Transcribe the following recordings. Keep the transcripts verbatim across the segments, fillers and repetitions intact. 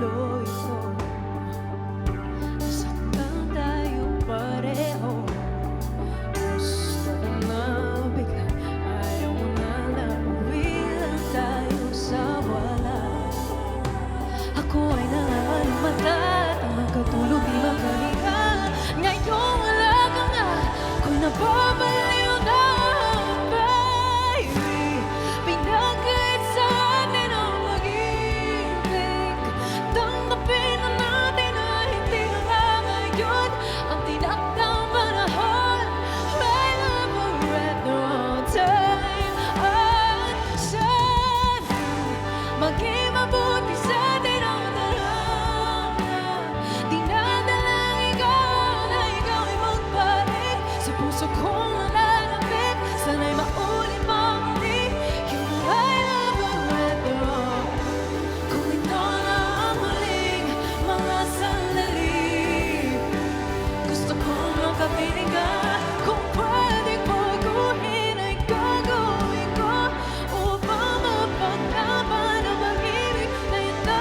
tuloy ito. Nasaktan tayo pareho. Gusto ko na bigla, ayaw mo na nauwi lang tayo sa wala. Ako ay nangangalimata at ang magkatulog di makahinga. Ngayon wala ka nga, kung nababaliw na, baby. Pinagkait sa atin ang pag-ibig. Tanggapin na natin na hindi na nga ngayon ang tinakdang panahon. My love will at no time. At sana maging mabuti sa atin ang dalawa. Dinadalangin ko na ikaw ay magbalik sa puso kong nalalapit. Sana'y maulit mo muli yung I love you at all. Kung ito na ang huling mga sandali, gusto kong makapiling ka. Kung pwedeng baguhin ay gagawin ko upang mapaglaban ang pag-ibig na ito.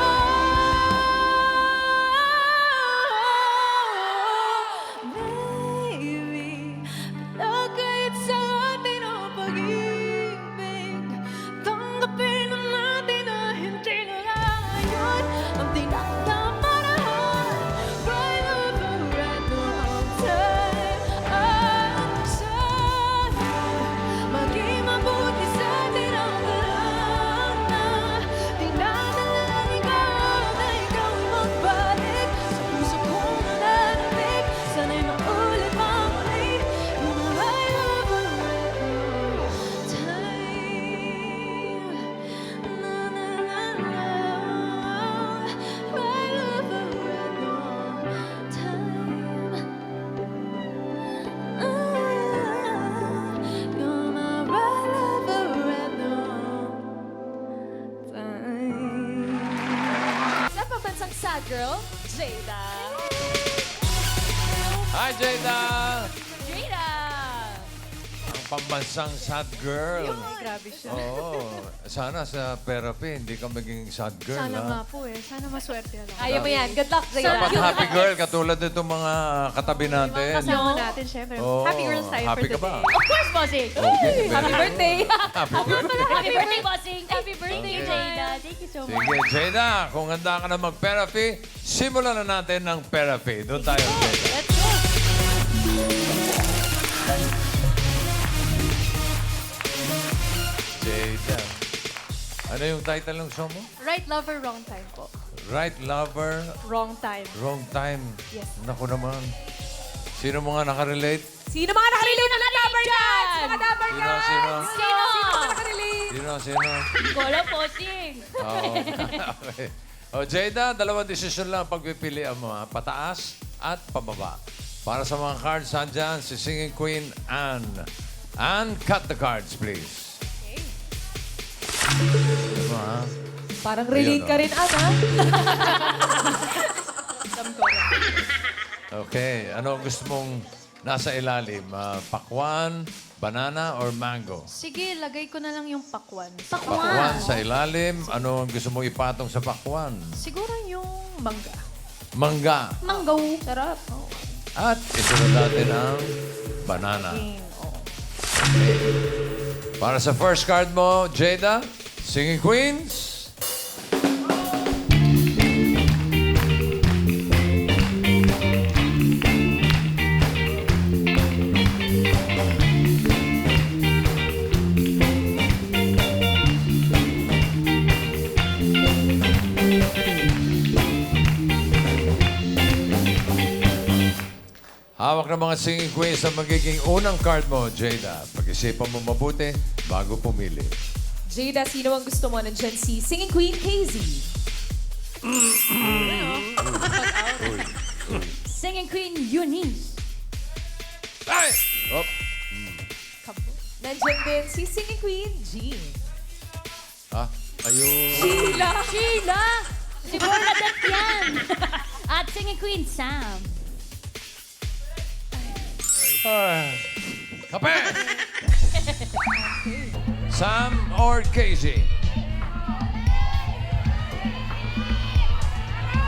Baby, pinagkait sa atin ang pag-ibig. Tanggapin na natin na hindi na lang ngayon ang tinakdang panahon. My love will at no time. At sana maging mabuti sa atin ang dalawa. Dinadalangin ko na ikaw ay magbalik sa puso kong nalalapit. Sana'y maulit mo muli yung I love you at no time. Na na na na. My love will at no time. Ah, you're my right lover at no time. Sa pambansang sad girl, Jada. Hi, Jada! Jada! Ang pambansang sad girl. Ay, grabe siya. Oo. Sana sa therapy, hindi ka maging sad girl, Sana nga ha? po eh. Sana maswerte na lang. Ayaw mo yan. Good luck, Jada. Dapat happy girl, katulad nitong mga katabi natin. Kasama natin, syempre. Oo. Happy girls tayo Happy for ka ba? today. Of course, bossing. Okay, Happy very birthday. Happy birthday. Happy birthday, bossing. Happy birthday, Okay. Jada. Thank you so much. Sige, Jada, kung handa ka na mag-therapy, simulan na natin ng therapy. Doon tayo, Jada. Let's go. Jada. Ano yung title ng show mo? Right lover, wrong time po. Right lover, Wrong time. wrong time. Yes. Naku naman. Sino mga nakarelate? Sino mga nakarelate na lover dyan? Mga lover Sino, sino? Sino? Sino mga nakarelate? Sino, sino? Gola, bossing. Oo. Okay. O, Jada, dalawang desisyon lang ang pagpipilian mo, ha? Pataas at pababa. Para sa mga cards, andyan si Singing Queen Anne. Anne, cut the cards, please. Okay. Ano, ha? Parang relate relate ka ka rin, Ana. Okay. Ano ang gusto mong nasa ilalim? Ah, pakwan, banana, or mango? Sige, lagay ko na lang yung pakwan. Pakwan sa ilalim. Ano ang gusto mong ipatong sa pakwan? Siguro yung mangga. Mangga. Mango. Sarap. Oh. At isunod natin ang banana. Oh. Para sa first card mo, Jada, Singing Queens. Hawak ng mga Singing Queens ang magiging unang card mo, Jada. Pag-isipan mo mabuti bago pumili. Jada, sino ang gusto mo? Nandiyan si Singing Queen K Z. Singing Queen Eunice. Ay! Oh, Nandiyan din si Singing Queen Jean. ah, ayun. Sheila! Sheila! Siguro nadat yan. At Singing Queen Sam. Ah, kape! Sam or Casey?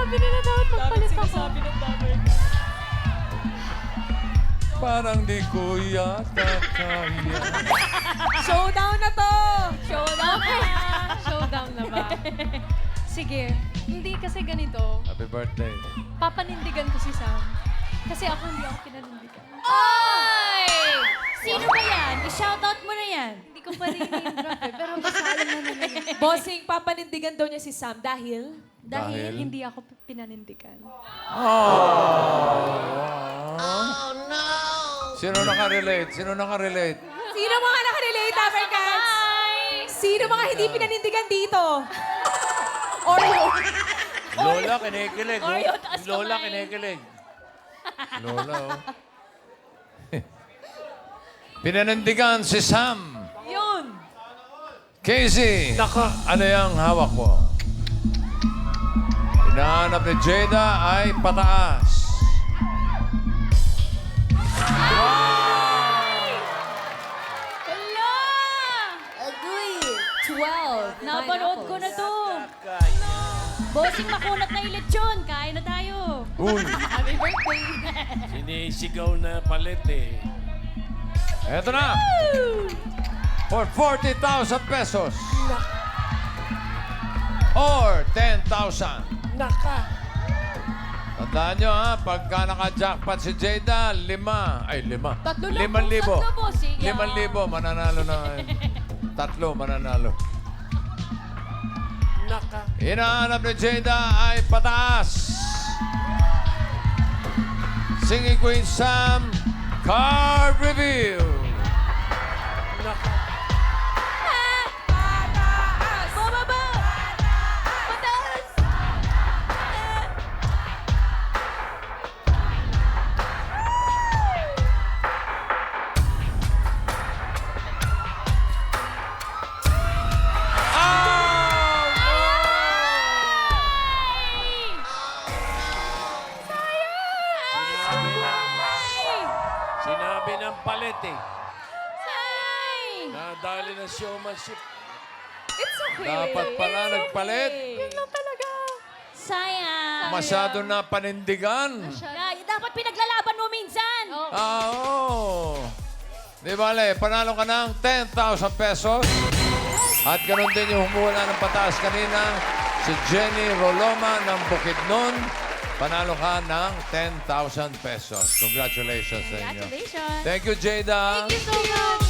Sabi nila dapat magpalit ako. ng damay. Parang di ko yata kaya. Showdown na to! Showdown Okay. na. Showdown na ba? Sige. Hindi kasi ganito. Happy birthday. Papanindigan ko si Sam. Kasi ako hindi ako pinanindigan. Oy! Sino ba yan? I-shoutout mo na yan. Hindi ko pa rin name drop eh. Pero basta alam na nila yun. Bossing, papanindigan daw niya si Sam dahil... Dahil Dahil? hindi ako pinanindigan. Sino nakarelate? Sino nakarelate? Sino mga nakarelate, Africans? Sino mga hindi pinanindigan dito? Oreo. Lola, kinikilig. oh. Oreo, taas Lola, kamay. kinikilig. Lola, oh. Pinanindigan si Sam. Yun. Casey, Naka. ano yung hawak mo? Hinahanap ni Jada ay pataas. Hala! Agoy. twelve. Napanood ko na to. Bossing, makunat na yung lechon. Kain na tayo. Uy, Happy birthday. Sinisigaw na palit eh. eto na. For forty thousand pesos. Or ten thousand. Naka. Tandaan nyo ha, pagka naka-jackpot si Jada, lima. Ay, lima. Tatlo lang Limang po, libo. tatlo, bossing. Limang libo, mananalo na. Tatlo, mananalo. Naka. Hinahanap ni Jada ay pataas. Singing Queen Sam, card reveal. Naka. Bababa! Pataas! Sinabi ng palit eh. Say! Nadali ng showmanship. It's okay. Dapat pala It's nagpalit. okay. Yun lang talaga. Sayang! Masyado na panindigan. Ay, dapat pinaglalaban mo minsan! Ah, oo. Di bale, panalo ka ng ten thousand pesos. At ganun din yung humuwala ng pataas kanina, si Jenny Roloma ng Bukidnon. Panalo ka ng ten thousand pesos. Congratulations sa inyo. Congratulations! Thank you, Jada. Thank you so much.